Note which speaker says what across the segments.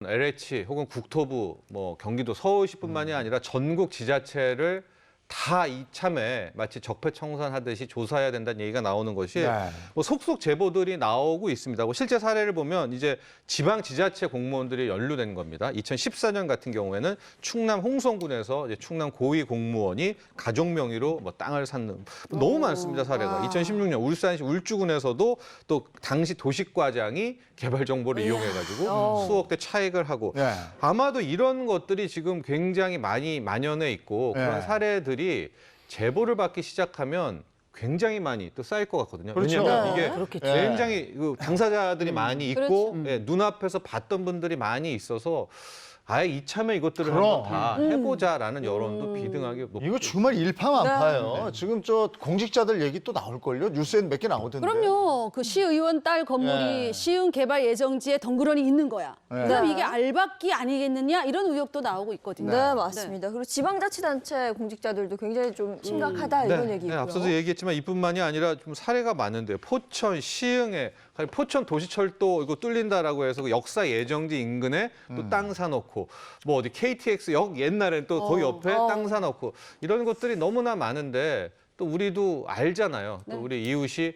Speaker 1: LH 혹은 국토부, 뭐 경기도 서울시뿐만이 아니라 전국 지자체를 다 이참에 마치 적폐청산하듯이 조사해야 된다는 얘기가 나오는 것이
Speaker 2: 네.
Speaker 1: 뭐 속속 제보들이 나오고 있습니다. 뭐 실제 사례를 보면 이제 지방 지자체 공무원들이 연루된 겁니다. 2014년 같은 경우에는 충남 홍성군에서 이제 충남 고위 공무원이 가족 명의로 뭐 땅을 샀는 너무 많습니다, 사례가. 2016년 울산시 울주군에서도 또 당시 도식과장이 개발 정보를 이용해가지고 수억대 차익을 하고
Speaker 2: 네.
Speaker 1: 아마도 이런 것들이 지금 굉장히 많이 만연해 있고 그런
Speaker 2: 네.
Speaker 1: 사례들이 제보를 받기 시작하면 굉장히 많이 또 쌓일 것 같거든요.
Speaker 2: 그렇죠.
Speaker 1: 왜냐하면
Speaker 2: 네,
Speaker 1: 이게
Speaker 3: 그렇겠죠.
Speaker 1: 굉장히 그 당사자들이 많이 있고
Speaker 3: 그렇죠.
Speaker 1: 예, 눈앞에서 봤던 분들이 많이 있어서 아예 이참에 이것들을
Speaker 2: 그럼.
Speaker 1: 한번 다 해보자라는 여론도 비등하게 높고
Speaker 2: 이거 정말 일파만파예요. 지금 저 공직자들 얘기 또 나올걸요? 뉴스에 몇 개 나오던데.
Speaker 4: 그럼요. 그 시의원 딸 건물이
Speaker 2: 네.
Speaker 4: 시흥 개발 예정지에 덩그러니 있는 거야.
Speaker 2: 네.
Speaker 4: 그럼 이게 알박기 아니겠느냐 이런 의혹도 나오고 있거든요.
Speaker 3: 네, 맞습니다. 그리고 지방자치단체 공직자들도 굉장히 좀 심각하다 이런 얘기고요.
Speaker 1: 앞서도 얘기했지만 이뿐만이 아니라 좀 사례가 많은데요. 포천, 시흥에 포천 도시철도 이거 뚫린다라고 해서 그 역사 예정지 인근에 또 땅 사놓고 뭐 어디 KTX 역 옛날에는 또 거기 옆에 땅 사놓고 이런 것들이 너무나 많은데 또 우리도 알잖아요. 또 우리 이웃이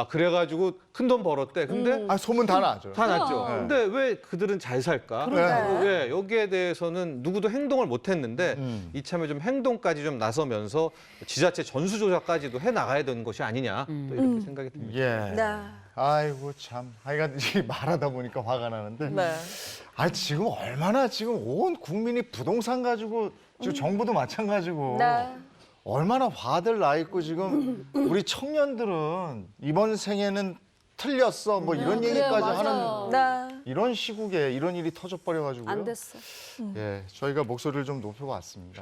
Speaker 1: 그래가지고 큰 돈 벌었대. 근데
Speaker 2: 아, 소문 다 나죠.
Speaker 1: 다 났죠.
Speaker 2: 네.
Speaker 1: 근데 왜 그들은 잘 살까?
Speaker 2: 그러니까요.
Speaker 1: 왜 여기에 대해서는 누구도 행동을 못 했는데 이참에 좀 행동까지 좀 나서면서 지자체 전수조사까지도 해 나가야 되는 것이 아니냐 또 이렇게 생각이 듭니다.
Speaker 2: 예.
Speaker 3: 네.
Speaker 2: 아이고 참. 하여간 이 말하다 보니까 화가 나는데.
Speaker 3: 네.
Speaker 2: 아, 지금 얼마나 지금 온 국민이 부동산 가지고 지금 정부도 마찬가지고
Speaker 3: 네.
Speaker 2: 얼마나 화들 나 있고 지금 우리 청년들은 이번 생에는 틀렸어 뭐 이런
Speaker 4: 그래요,
Speaker 2: 얘기까지
Speaker 4: 맞아요.
Speaker 2: 하는
Speaker 3: 네.
Speaker 2: 이런 시국에 이런 일이 터져버려가지고요.
Speaker 4: 안 됐어.
Speaker 2: 예, 저희가 목소리를 좀 높여봤습니다.